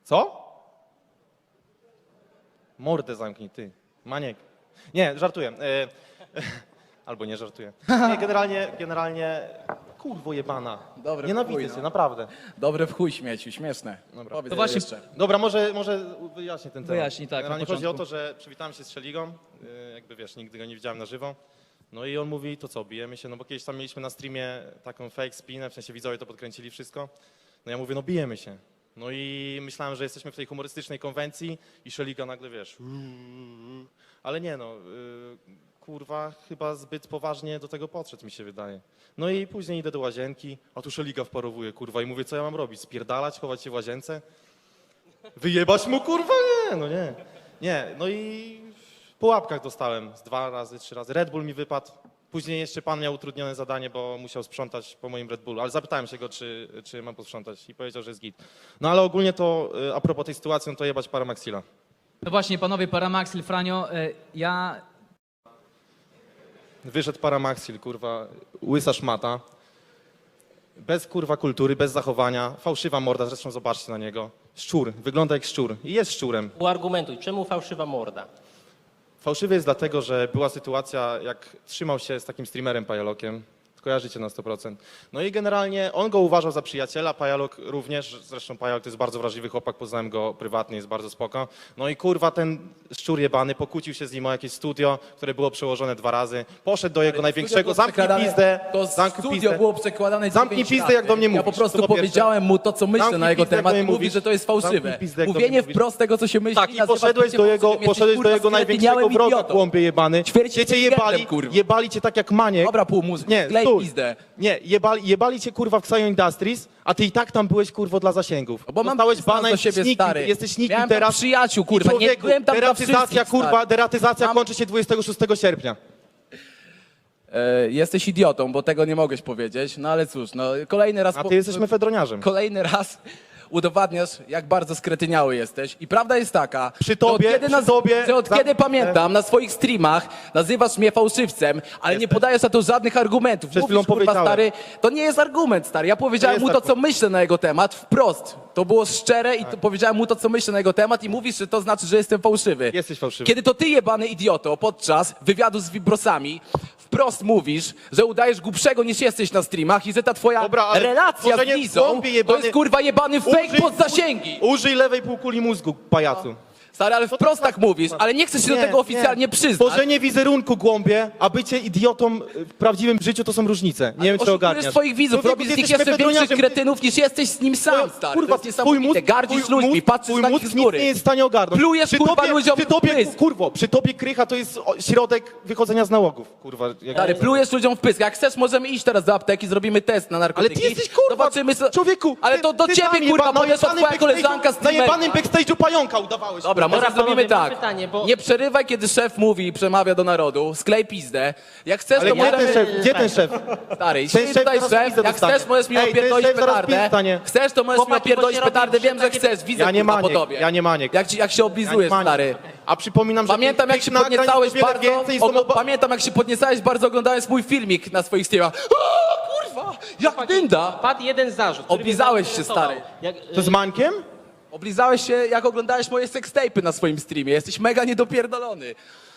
Co? Mordę zamknij, ty. Maniek. Nie, żartuję. Albo nie żartuję. Nie, generalnie, kurwo jebana. Dobry Nienawidzę chuj, cię, no. naprawdę. Dobre w chuj śmieciu, śmieszne. Dobra. Powiedz To właśnie- jeszcze. Dobra, może wyjaśnię ten temat. Wyjaśnij, tak, na Generalnie chodzi o początku. to, że przywitałem się z Szeligą, jakby wiesz, nigdy go nie widziałem na żywo. No i on mówi, to co, bijemy się, no bo kiedyś tam mieliśmy na streamie taką fake spinę, w sensie widzowie to podkręcili wszystko. No ja mówię, no bijemy się. No i myślałem, że jesteśmy w tej humorystycznej konwencji i Szeliga nagle, wiesz, ale nie no, kurwa, chyba zbyt poważnie do tego podszedł, mi się wydaje. No i później idę do łazienki, a tu Szeliga wparowuje, kurwa, i mówię, co ja mam robić, spierdalać, chować się w łazience? Wyjebać mu, kurwa? Nie, no nie. Nie, no i po łapkach dostałem z 2 razy, 3 razy. Red Bull mi wypadł. Później jeszcze pan miał utrudnione zadanie, bo musiał sprzątać po moim Red Bullu, ale zapytałem się go, czy mam posprzątać i powiedział, że jest git. No ale ogólnie to, a propos tej sytuacji, no to jebać Paramaxila. No właśnie, panowie, Paramaxil, Franio, ja... Wyszedł Paramaxil, kurwa, łysa szmata. Bez kurwa kultury, bez zachowania, fałszywa morda, zresztą zobaczcie na niego. Szczur, wygląda jak szczur i jest szczurem. Uargumentuj, czemu fałszywa morda? Fałszywy jest dlatego, że była sytuacja, jak trzymał się z takim streamerem Pajalokiem. Kojarzycie na 100%. No i generalnie on go uważał za przyjaciela, Pajalok również. Zresztą Pajalok to jest bardzo wrażliwy chłopak, poznałem go prywatnie, jest bardzo spoko. No i kurwa ten szczur jebany pokłócił się z nim o jakieś studio, które było przełożone 2 razy. Poszedł do jego największego, zamknij pizdę, To zamknij studio pizdę. było przekładane Zamknij 9 pizdę, razy. jak do mnie Ja mówisz, po prostu to po pierwsze. powiedziałem mu to, co myślę Zamknij na jego pizdę, jak temat do i mnie mówi, mówisz. że to jest fałszywe. Zamknij pizdę, jak do mnie Mówienie mówisz. wprost tego, co się myśli. Tak, i nazywa poszedłeś bycie do jego, fałszywym. poszedłeś Jesteś, do jego kurwa, największego skretyniałym wroga, idiotą. kłąbie jebany. Ćwierć Cię inteligentem, jebali, kurwa. jebali cię tak jak maniek. Dobra, pół muzyki. Nie, Klej stój. pizdę. Nie, jebali cię kurwa w Xayo Industries, a ty i tak tam byłeś kurwo dla zasięgów. Bo mam Dostałeś dystans bana do i siebie, nikim, stary. jesteś nikim Miałem tam teraz. przyjaciół, kurwa, I nie byłem tam dla deratyzacja, wszystkich, kurwa, stary. deratyzacja Mam- kończy się 26 sierpnia. Jesteś idiotą, bo tego nie mogłeś powiedzieć. No ale cóż, no kolejny raz... A ty jesteś mefedroniarzem. Kolejny raz udowadniasz, jak bardzo skretyniały jesteś. I prawda jest taka, Przy tobie, że od kiedy pamiętam, na swoich streamach nazywasz mnie fałszywcem, ale nie podajesz na to żadnych argumentów. Przed chwilą Mówisz, kurwa, powiedziałem. stary, to nie jest argument, stary. Ja powiedziałem jest mu to, co argument. myślę na jego temat, wprost. To było szczere i powiedziałem mu to, co myślę na jego temat i mówisz, że to znaczy, że jestem fałszywy. Jesteś fałszywy. Kiedy to ty, jebany idioto, podczas wywiadu z Wibrosami wprost mówisz, że udajesz głupszego niż jesteś na streamach i że ta twoja Dobra, ale relacja z tworzenie Lizą głąbie to jest kurwa jebany fake pod zasięgi. Użyj lewej półkuli mózgu, pajacu. Stary, ale wprost tak mówisz, ale nie chcesz się do tego oficjalnie przyznać. Tworzenie wizerunku głąbie, a bycie idiotą w prawdziwym życiu to są różnice. Nie wiem, czy Oszukujesz ogarniasz. swoich widzów, Człowieku, robisz ty z nich jesteś jeszcze większych mefedroniarzem. kretynów niż jesteś z nim sam, stary. Kurwa, to jest niesamowite. Gardzisz ludźmi, patrzysz na nich z nic góry. nie jest w stanie ogarnąć. Plujesz, kurwa, ludziom przy w tobie, pysk. kurwo, przy tobie krycha to jest środek wychodzenia z nałogów. Kurwa, Stary, plujesz ludziom w pysk. Jak chcesz, możemy iść teraz do apteki, zrobimy test na ale narkotyki. ty jesteś kurwa, Zobaczymy, co... człowieku. Ale to do ty ciebie, tam kurwa, na podeszła jebanym twoja koleżanka backstage'u- Na jebanym streamerka. backstage'u pająka udawałeś. Dobra, kurwa. może zrobimy panowie, mam tak. pytanie, bo- Nie przerywaj, kiedy szef mówi i przemawia do narodu. Sklej pizdę. Jak chcesz, Ale to gdzie możemy... ten szef? Gdzie ten szef? Stary, Ten siedzi szef tutaj zaraz szef, pizdę jak dostanie. chcesz, możesz mi Ej, ten opierdolić szef zaraz petardę. pizdę. Chcesz, to możesz mi Chłopaki, bo opierdolić się petardę, robi wiem, że takie- chcesz, widzę Ja nie kurwa, po maniek, tobie. ja nie maniek. Jak się oblizujesz, Maniek. stary. A przypominam, że Pamiętam, jak tych się nagrań podniecałeś wiele bardzo, więcej są pamiętam, jak się podniecałeś bardzo, oglądając mój filmik na swoich streamach. O, kurwa, jak dynda. Padł jeden zarzut. który mnie Oblizałeś się, zainteresował. stary. Jak, To z Mańkiem? Oblizałeś się, jak oglądałeś moje sextape'y na swoim streamie. Jesteś mega niedopierdolony.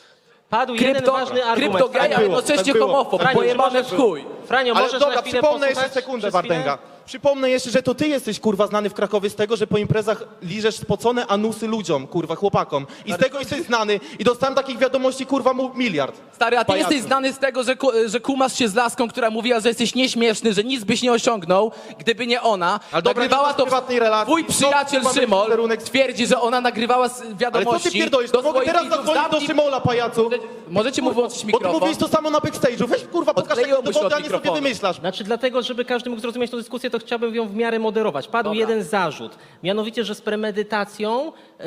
padł jeden ważny argument. Krypto gej, a było, jednocześnie tak było. homofob, Franio, pojebane czy w możesz- chuj. Franio, Ale możesz dobra, na chwilę przypomnę jeszcze posłuchać sekundę, przez chwilę? Bartęga. Przypomnę jeszcze, że to ty jesteś, kurwa, znany w Krakowie z tego, że po imprezach liżesz spocone anusy ludziom, kurwa, chłopakom. I z tego jesteś znany. I dostałem takich wiadomości, kurwa, miliard. Stary, a ty Pajacu. jesteś znany z tego, że kumasz się z laską, która mówiła, że jesteś nieśmieszny, że nic byś nie osiągnął, gdyby nie ona. Ale dobra, Nagrywała nie ma to prywatnej relacji. twój przyjaciel No, Szymol wizerunek. twierdzi, że ona nagrywała Ale wiadomości co ty pierdolisz? do To mogę swoich teraz widzów. zadzwonić do Zamknij- Szymola, pajacu. Możecie mu włączyć Bo ty mikrofon? mówisz to samo na backstage'u. Weź, kurwa, pokaż Odkleiło takie mu się dowody, od a nie sobie mikrofonu. wymyślasz. Znaczy dlatego, żeby każdy mógł zrozumieć tę dyskusję, to chciałbym ją w miarę moderować. Padł Dobra. jeden zarzut, mianowicie, że z premedytacją,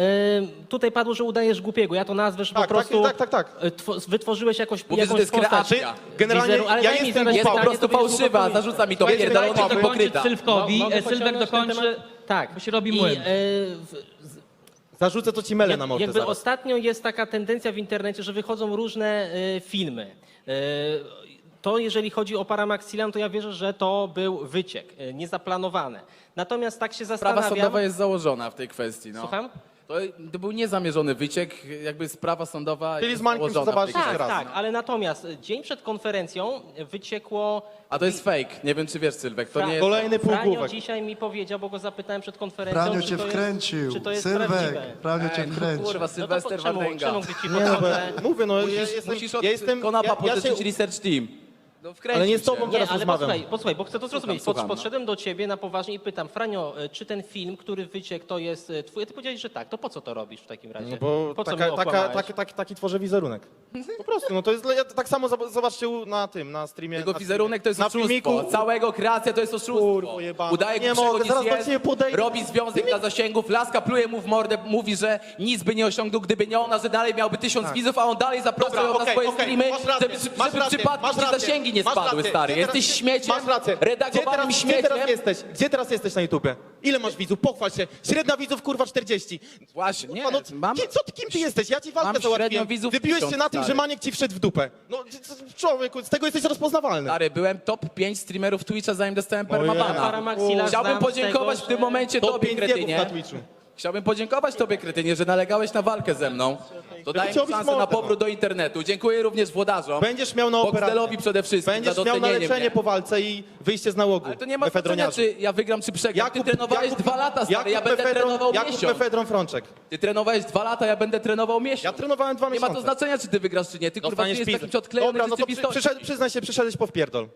tutaj padło, że udajesz głupiego. Ja to nazwę, że Tak, po prostu tak. wytworzyłeś jakąś Mówię, że to jest postać. kreacja. Generalnie Wizeru- ale ja daj mi jestem zaraz Jest po pytanie, prostu to będzie fałszywa, zupełnie- zarzuca mi to Jest pierdolona najbardziej hipokryta. Sylwkowi, Mogę Sylwek pociągnąć ten dokończy, temat? Tak. bo się robi I, młyn. Zarzucę to ci mele na mordę jakby zaraz. ostatnio jest taka tendencja w internecie, że wychodzą różne filmy. To jeżeli chodzi o Paramaxilę, to ja wierzę, że to był wyciek, niezaplanowane. Natomiast tak się Sprawa zastanawiam... sądowa jest założona w tej kwestii. No. Słucham? To był niezamierzony wyciek, jakby sprawa sądowa Czyli jest z Mańkiem założona w tej zobaczycie kwestii. raz. Tak, ale natomiast dzień przed konferencją wyciekło... A to jest fake. Nie wiem, czy wiesz, Sylwek, to nie jest... Kolejny Franio półgłówek. dzisiaj mi powiedział, bo go zapytałem przed konferencją, Franio czy cię to jest, wkręcił. czy to jest Sylwek, prawdziwe. Franio cię Ej, no wkręcił. kurwa, No to Sylwester czemu Wardęga. mógł ci Nie, no, bo pokazać? mówię, no Musisz od ja jestem... Konapa ja się, pożyczyć Research Team. No, Ale nie z tobą się. Nie, teraz ale rozmawiam. posłuchaj, bo chcę to zrozumieć. słucham, no. Podszedłem do ciebie na poważnie i pytam, Franio, czy ten film, który wyciekł, to jest twój? A ty powiedziałeś, że tak. To po co to robisz w takim razie? No bo po co mnie okłamałeś? taki tworzę wizerunek. Po prostu, no to jest, ja, tak samo zobaczcie na streamie. Jego na wizerunek to jest na oszustwo. filmiku. Całego kreacja to jest oszustwo. Kurwo jebane. Udaje Nie głupszego mogę, niż zaraz do jest, ciebie podejdę. robi związek dla zasięgów, laska pluje mu w mordę, mówi, że nic by nie osiągnął, gdyby nie ona, że dalej miałby 1000 widzów, a on dalej zaprasza Dobra, ją na okej, swoje okej, streamy, masz rację, żeby masz rację, przypadkiem masz ci rację, zasięgi nie masz spadły, rację. stary. Gdzie teraz- Jesteś śmieciem, Masz rację. redagowanym Gdzie śmieciem. teraz jesteś? Gdzie teraz jesteś na YouTubie? Ile masz widzów? Pochwal się. Średnia widzów, kurwa, 40. Właśnie, nie, No, mam... kim ty jesteś? Ja ci walkę Mam załatwiłem. średnią widzów Wybiłeś się 1000, na tym, że stary. Maniek ci wszedł w dupę. No, człowieku, z tego jesteś rozpoznawalny. Stary, byłem top 5 streamerów Twitcha, zanim dostałem permabana. Paramaxila Chciałbym znam z podziękować tego, w tym momencie To tobie, 5 diabów kretynie. na Twitchu. Chciałbym podziękować tobie, kretynie, że nalegałeś na walkę ze mną. To daje ci mi obić szansę na mordę, no. powrót do internetu. Dziękuję również włodarzom. Będziesz miał na Boxdelowi operację. przede wszystkim Będziesz za miał na docenienie leczenie mnie. po walce i wyjście z nałogu. Ale to nie ma znaczenia, mefedroniarzu. czy ja wygram, czy przegram. Ty trenowałeś 2 lata, stary, ja będę trenował Jakub miesiąc. mefedron Frączek. Ty trenowałeś 2 lata, ja będę trenował miesiąc. Ja trenowałem 2 Nie ma miesiące. to znaczenia, czy ty wygrasz, czy nie. Ty kurwa, ty Dostaniesz jesteś pizdę. jakimś odklejonym Dobra, no to rzeczywistości. przyznaj się, przyszedłeś po wpierdol.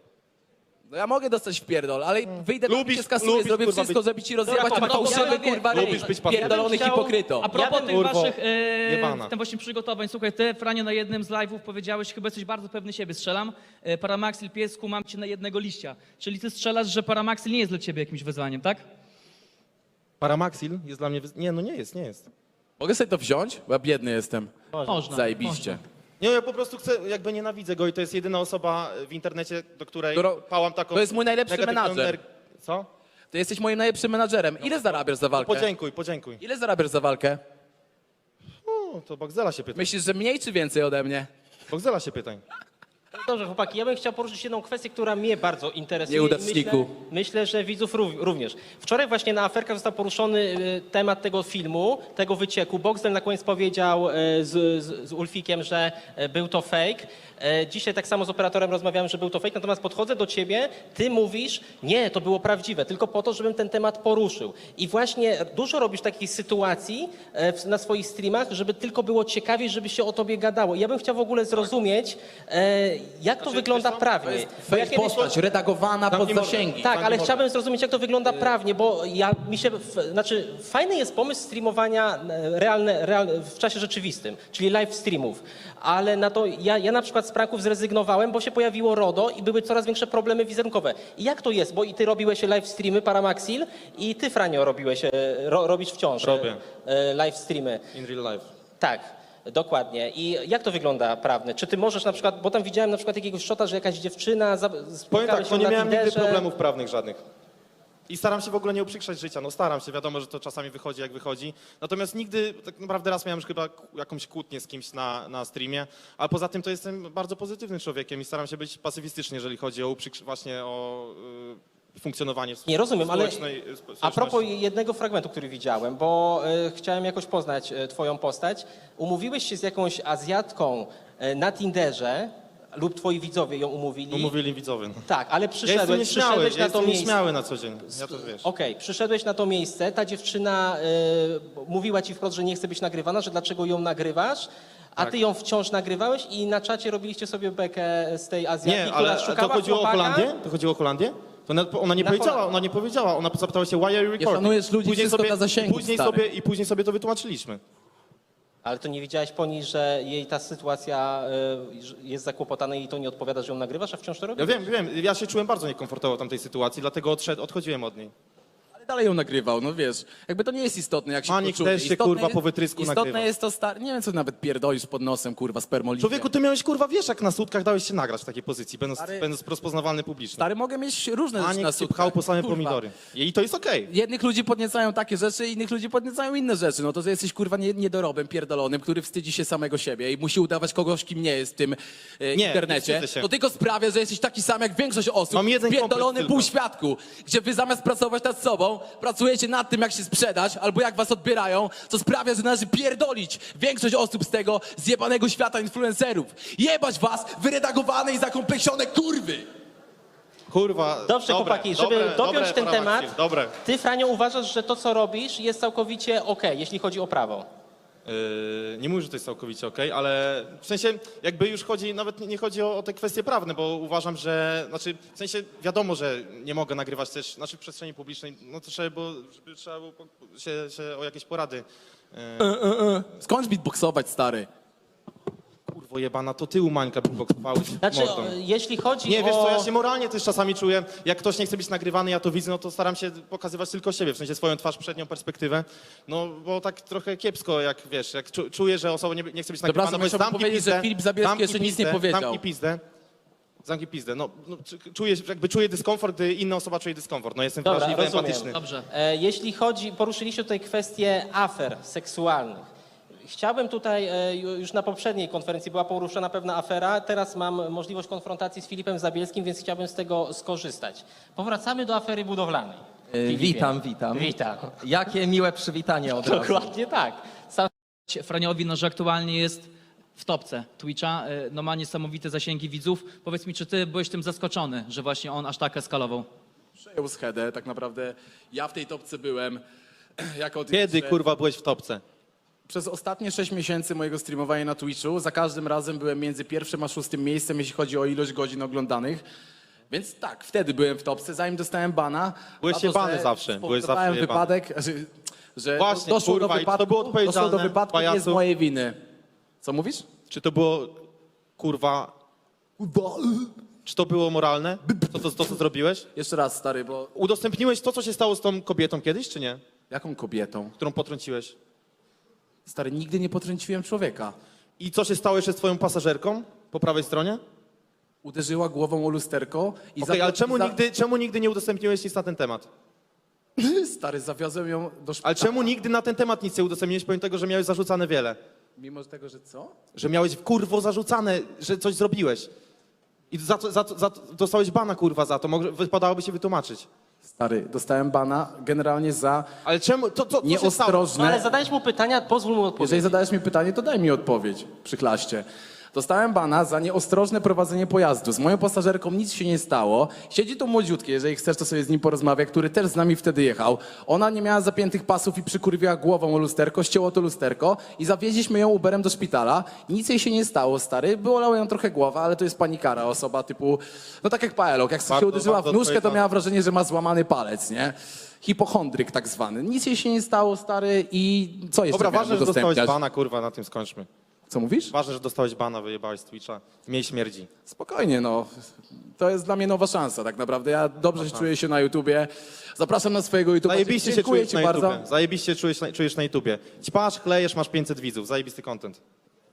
No ja mogę dostać w pierdol, ale wyjdę tam i Lubisz- cię skasuję, lubisz, zrobię kurwa, wszystko, być- żeby ci rozjebać ten Dobra, fałszywy, ja kurwa, wiem. ryj. Lubisz być pamiętny. Pierdolony Ja bym chciał- hipokryto. A propos Ja bym- tych Kurwo, waszych jebana. tam właśnie przygotowań, słuchaj, ty, Franio, na jednym z live'ów powiedziałeś, chyba jesteś bardzo pewny siebie, strzelam, Paramaxil, piesku, mam cię na jednego liścia. Czyli ty strzelasz, że Paramaxil nie jest dla ciebie jakimś wyzwaniem, tak? Paramaxil jest dla mnie... Nie, no nie jest, nie jest. Mogę sobie to wziąć? Bo ja biedny jestem. Można. Zajebiście. Nie, ja po prostu chcę, jakby nienawidzę go i to jest jedyna osoba w internecie, do której Którą- pałam taką... to jest mój najlepszy negatywną menadżer. Co? Ty jesteś moim najlepszym menadżerem. Ile zarabiasz za walkę? Podziękuj. Ile zarabiasz za walkę? O, to Boxdela się pytaj. Myślisz, że mniej czy więcej ode mnie? Boxdela się pytaj. Dobrze, chłopaki, ja bym chciał poruszyć jedną kwestię, która mnie bardzo interesuje. Nieudaczniku. Myślę, że widzów również. Wczoraj właśnie na aferkach został poruszony temat tego filmu, tego wycieku. Boxdel na koniec powiedział z Ulfikiem, że był to fake. Dzisiaj tak samo z operatorem rozmawiałem, że był to fake, natomiast podchodzę do ciebie, ty mówisz, nie, to było prawdziwe, tylko po to, żebym ten temat poruszył. I właśnie dużo robisz takich sytuacji na swoich streamach, żeby tylko było ciekawiej, żeby się o tobie gadało. I ja bym chciał w ogóle zrozuć, jak to wygląda prawnie. Bo ja Fake kiedyś- postać, redagowana pod Zamknij mordę. zasięgi. tak, ale chciałbym zrozumieć, jak to wygląda prawnie, bo znaczy fajny jest pomysł streamowania w czasie rzeczywistym, czyli live streamów, ale na to ja na przykład z pranków zrezygnowałem, bo się pojawiło RODO i były coraz większe problemy wizerunkowe. I jak to jest, bo i ty robiłeś live streamy Paramaxil i ty, Franio, robisz wciąż Robię. live streamy. In real life. Tak, dokładnie. I jak to wygląda prawnie? Czy ty możesz na przykład, bo tam widziałem na przykład jakiegoś shota, że jakaś dziewczyna Powiem spotkała tak, się no nie na miałem nigdy Tinderze. problemów prawnych żadnych. I staram się w ogóle nie uprzykrzać życia. No staram się, wiadomo, że to czasami wychodzi jak wychodzi. Natomiast nigdy, tak naprawdę raz miałem już chyba jakąś kłótnię z kimś na streamie, ale poza tym to jestem bardzo pozytywnym człowiekiem i staram się być pacyfistyczny, jeżeli chodzi o właśnie o funkcjonowanie Nie rozumiem, ale społeczności. a propos jednego fragmentu, który widziałem, bo chciałem jakoś poznać twoją postać. Umówiłeś się z jakąś Azjatką na Tinderze lub twoi widzowie ją umówili. Umówili widzowie. No. Tak, ale Ja jestem przyszedłeś nieśmiały, na to miejsce. nieśmiały na co dzień. Ja to wiesz. Okej, przyszedłeś na to miejsce, ta dziewczyna mówiła ci wprost, że nie chce być nagrywana, że dlaczego ją nagrywasz, a Tak. ty ją wciąż nagrywałeś i na czacie robiliście sobie bekę z tej Azjatki, Nie, która ale to szukała chodziło o chłopaka. Holandię? To chodziło o Holandię? To ona nie Na powiedziała, Holandię. ona nie powiedziała. Ona zapytała się, why are you recording? szanujesz ludzi, wszystko dla zasięgu, stary. I później sobie to wytłumaczyliśmy. Ale to nie widziałeś po niej, że jej ta sytuacja jest zakłopotana i to nie odpowiada, że ją nagrywasz, a wciąż to robisz? Ja wiem, ja się czułem bardzo niekomfortowo w tamtej sytuacji, dlatego odchodziłem od niej. dalej ją nagrywał, no wiesz. Jakby to nie jest istotne, jak się Manik poczuje. też się, kurwa, po wytrysku Istotne nagrywa. jest to, stary, nie wiem, co nawet pierdolisz pod nosem, kurwa, spermolikiem. Człowieku, ty miałeś, kurwa, wiesz, jak na sutkach dałeś się nagrać w takiej pozycji, Stary- będąc rozpoznawalny publicznie. Stary, mogę mieć różne rzeczy Manik na się sutkach. pchał po same Kurwa. pomidory. I to jest okej. Jednych ludzi podniecają takie rzeczy, innych ludzi podniecają inne rzeczy. No to, że jesteś kurwa niedorobem pierdolonym, który wstydzi się samego siebie i musi udawać kogoś, kim nie jest w tym nie internecie, wstydzę się. to tylko sprawia, że jesteś taki sam jak większość osób. Mam jeden Pierdolony komplet tylko. półświadku, gdzie wy zamiast pracować nad sobą, pracujecie nad tym, jak się sprzedać, albo jak was odbierają, co sprawia, że należy pierdolić większość osób z tego zjebanego świata influencerów. Jebać was, wyredagowane i zakompleksione kurwy! Kurwa, Dobrze, dobre, chłopaki, żeby dobre, dopiąć dobre, ten Para temat, Maxim, Dobre. ty, Franio, uważasz, że to, co robisz, jest całkowicie okej, jeśli chodzi o prawo. Nie mówię, że to jest całkowicie okej, ale w sensie jakby już chodzi, nawet nie chodzi o te kwestie prawne, bo uważam, że, znaczy w sensie wiadomo, że nie mogę nagrywać też, znaczy w przestrzeni publicznej, no to trzeba było, żeby trzeba było się o jakieś porady. Skończ beatboxować, stary. Kurwo jebana, to ty u Mańka beatboxowałeś Znaczy, mordą. jeśli chodzi Nie, o... wiesz co, ja się moralnie też czasami czuję, jak ktoś nie chce być nagrywany, ja to widzę, no to staram się pokazywać tylko siebie, w sensie swoją twarz, przednią perspektywę, no bo tak trochę kiepsko, jak wiesz, jak czuję, że osoba nie chce być nagrywana, Przepraszam, powiedz, chciałbym zamknij powiedzieć, pizdę, że Filip Zabielski zamknij jeszcze nic nie pizdę, powiedział. Zamknij pizdę, no czuję dyskomfort, gdy inna osoba czuje dyskomfort, no jestem Dobra, wrażliwy, rozumiem. empatyczny. Dobrze. Jeśli chodzi, poruszyliście tutaj kwestię afer seksualnych. Chciałbym tutaj, już na poprzedniej konferencji była poruszona pewna afera, teraz mam możliwość konfrontacji z Filipem Zabielskim, więc chciałbym z tego skorzystać. Powracamy do afery budowlanej. Filipie. Witam. Witam. Jakie miłe przywitanie od razu. Dokładnie tak. Sam Franiowi, no, że aktualnie jest w topce Twitcha, no ma niesamowite zasięgi widzów. Powiedz mi, czy ty byłeś tym zaskoczony, że właśnie on aż tak eskalował? Przejął schedę, tak naprawdę ja w tej topce byłem. Jako Kiedy, kurwa, byłeś w topce? Przez ostatnie 6 miesięcy mojego streamowania na Twitchu za każdym razem byłem między pierwszym a 6 miejscem, jeśli chodzi o ilość godzin oglądanych. Więc tak, wtedy byłem w topce, zanim dostałem bana. Byłeś za to, jebany że zawsze, byłeś spowodowałem zawsze jebany. wypadek, że Właśnie, doszło kurwa, do i to wypadku, było odpowiedzialne, doszło do wypadku nie z pajacu? mojej winy. Co mówisz? Czy to było, kurwa, czy to było moralne, to co zrobiłeś? Jeszcze raz, stary, bo Udostępniłeś to, co się stało z tą kobietą kiedyś, czy nie? jaką kobietą? Którą potrąciłeś? Stary, nigdy nie potrąciłem człowieka. I co się stało jeszcze z twoją pasażerką po prawej stronie? Uderzyła głową o lusterko i Okej, ale czemu, i czemu nigdy nie udostępniłeś nic na ten temat? Stary, zawiozłem ją do szpitala. Ale czemu nigdy na ten temat nic nie udostępniłeś, pomimo tego, że miałeś zarzucane wiele? Mimo tego, że co? Że miałeś, kurwo, zarzucane, że coś zrobiłeś. I dostałeś bana, kurwa, za to. Wypadałoby się wytłumaczyć. Stary, dostałem bana generalnie za Ale czemu, co się stało? nieostrożne... Ale zadajesz mu pytania, pozwól mu odpowiedzieć. Jeżeli zadajesz mi pytanie, to daj mi odpowiedź, przyklaście. Dostałem bana za nieostrożne prowadzenie pojazdu. Z moją pasażerką nic się nie stało. Siedzi tu młodziutki, jeżeli chcesz, to sobie z nim porozmawiaj, który też z nami wtedy jechał. Ona nie miała zapiętych pasów i przykurwiła głową o lusterko, ścięło to lusterko i zawieźliśmy ją Uberem do szpitala. Nic jej się nie stało, stary. Bolała ją trochę głowa, ale to jest panikara, osoba typu... No tak jak Paelok, jak się Bardzo, uderzyła w bardzo nóżkę, to odpowiedzialne. miała wrażenie, że ma złamany palec, nie? Hipochondryk tak zwany. Nic jej się nie stało, stary, i co jeszcze Dobra, miałem ważne, że dostałeś udostępniać? bana, kurwa, na tym skończmy. Co mówisz? Ważne, że dostałeś bana, wyjebałeś z Twitcha. Miej śmierdzi. Spokojnie, no. To jest dla mnie nowa szansa, tak naprawdę. Ja dobrze się czuję się na YouTubie. Zapraszam na swojego YouTube'a. Zajebiście się Dziękuję czujesz ci na bardzo. YouTubie. Zajebiście czujesz na YouTubie. Ćpasz, chlejesz, masz 500 widzów. Zajebisty content.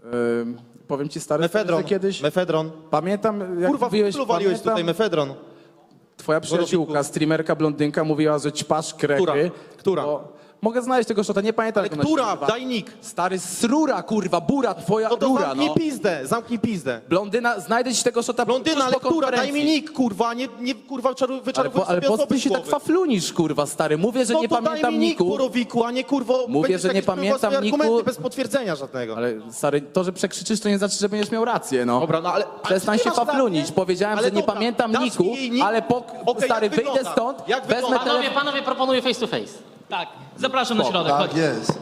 Powiem ci, stary, Mefedron, że kiedyś... mefedron. Pamiętam, jak Kurwa, mówiłeś, waliłeś tutaj mefedron. Twoja przyjaciółka, Borowiku. streamerka blondynka mówiła, że ćpasz krechy. Która? Bo... Mogę znaleźć tego szota, nie pamiętam, Ale jak ona się która? nazywa. Daj nick. Stary, srura, kurwa, bura, twoja No to rura, zamknij no. pizdę, zamknij pizdę. Blondyna, znajdę ci tego szota Blondyna, tuż ale po która? Daj mi konferencji. nick, kurwa, nie kurwa wyczarowuj Ale sobie po co osoby ty się z tak głowy. faflunisz, kurwa, stary? Mówię, że No nie to daj pamiętam mi nick, niku. Borowiku, a nie kurwo... Mówię, będziesz że nie jakieś, kurwa, pamiętam swoje niku. argumenty bez potwierdzenia żadnego. Ale stary, to, że przekrzyczysz, to nie znaczy, że będziesz miał rację, no. Dobra, no ale... Przestań ty się masz faflunić. rację? Powiedziałem, Ale że nie dobra, pamiętam dasz niku, mi jej nick? ale Okej, stary, jak wyjdę wygląda? stąd, Jak wezmę wygląda? telefon. Panowie, proponuję face to face. Tak, zapraszam na środek, chodź. Tak jest.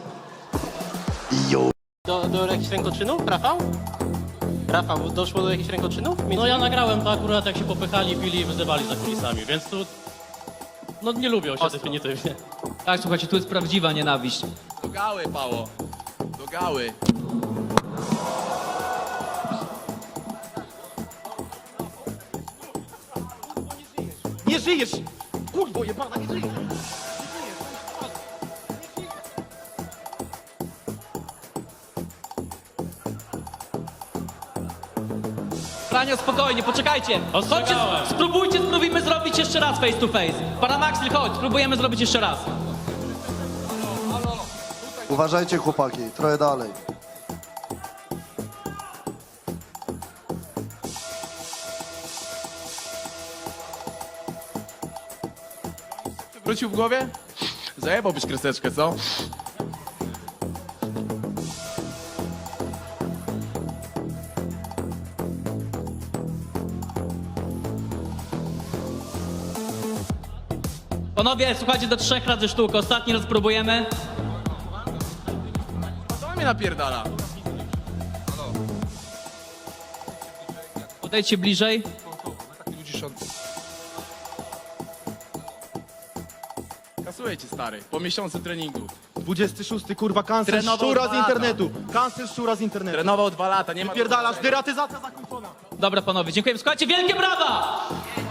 Do jakichś rękoczynów, Rafał? Rafał, doszło do jakichś rękoczynów? No ja nagrałem to akurat, jak się popychali, bili i wyzywali za kulisami, więc tu... No nie lubią się definitywnie. Tak, słuchajcie, tu jest prawdziwa nienawiść. Do gały, Pało. Do gały. Nie żyjesz! Kurwo jebana, nie żyjesz! Franio, spokojnie, poczekajcie. Chodźcie, Ostrzegałem. spróbujmy zrobić jeszcze raz face to face. Paramaxil, chodź, spróbujemy zrobić jeszcze raz. Uważajcie chłopaki, trochę dalej. Wrócił w głowie? Zajebałbyś kreseczkę, co? Panowie, słuchajcie, do 3 razy sztukę. Ostatni raz spróbujemy. Co mnie napierdala? Podejdźcie bliżej. Kasuję cię, stary, po miesiącu treningu. 26, kurwa, cancel Trenował szczura 2 z lata. internetu. Cancel szczura z internetu. Trenował 2 lata, nie ma... Pierdalasz, deratyzacja zakończona. Dobra, panowie, dziękujemy. Słuchajcie, wielkie brawa!